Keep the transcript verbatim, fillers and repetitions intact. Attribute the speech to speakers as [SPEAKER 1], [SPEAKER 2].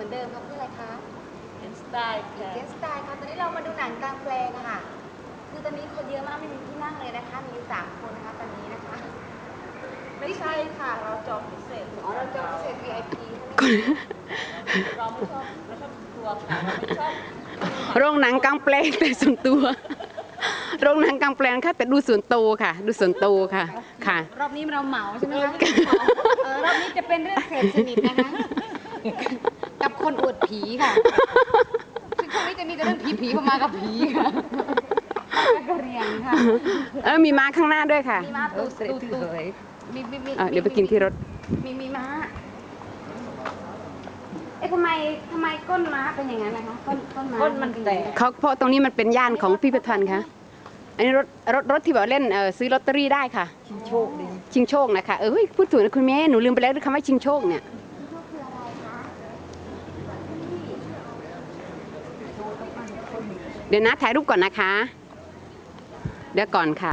[SPEAKER 1] อนเดิมครับที่อะไรคะ
[SPEAKER 2] เกนสไตล์ค่ะ
[SPEAKER 1] เกนสไตล์ค่ะตอนนี้เรามาดูหนังกลางแปลงอะค่ะคือตอนนี้คนเยอะมากไม่มีที่นั่งเลยนะคะมีอยู่สามคนนะคะตอนนี้นะคะ
[SPEAKER 2] ไม่ใช่ค่ะเราจองพิเศษ
[SPEAKER 1] อ๋อเราจองพิเศษ วี ไอ พี
[SPEAKER 2] เราไม่ชอบเราชอบตัวค่ะเราไม่ชอบ
[SPEAKER 3] โรงหนังกลางแปลงแต่ส่วนตัวโรงหนังกลางแปลงค่ะแต่ดูส่วนโตค่ะดูส่วนโตค่ะค่ะ
[SPEAKER 1] รอบนี้เราเหมาใช่ไหมคะเออรอบนี้จะเป็นเรื่องเสพสนิทนะคะกับคนอวดผีค่ะซึ่งช่วงนี้จะมีแต่เรื่องผีผีเข้ามากับผีค่ะกระเรียนค่ะ
[SPEAKER 3] เออมีม้าข้างหน้าด้วยค่ะ
[SPEAKER 1] มีม้าตูตูตูมีมีมี
[SPEAKER 3] เดี๋ยวไปกินที่รถ
[SPEAKER 1] มีมีม้าเอ๊ะทำไมทำไมก้นม้าเป็นอย่างนั้นนะคะก้นก้นม้า
[SPEAKER 2] ก้นมันแตก
[SPEAKER 3] เขาเพราะตรงนี้มันเป็นย่านของพิพิธภัณฑ์ค่ะอันนี้รถรถรถที่แบบเล่นเออซื้อลอตเตอรี่ได้ค่ะ
[SPEAKER 2] ชิงโชคดี
[SPEAKER 3] ชิงโชคนะคะเออพูดถูกนะคุณแม่หนูลืมไปแล้วคำว่าชิงโชคเนี่ยเดี๋ยวนะถ่ายรูปก่อนนะคะเดี๋ยวก่อนค่ะ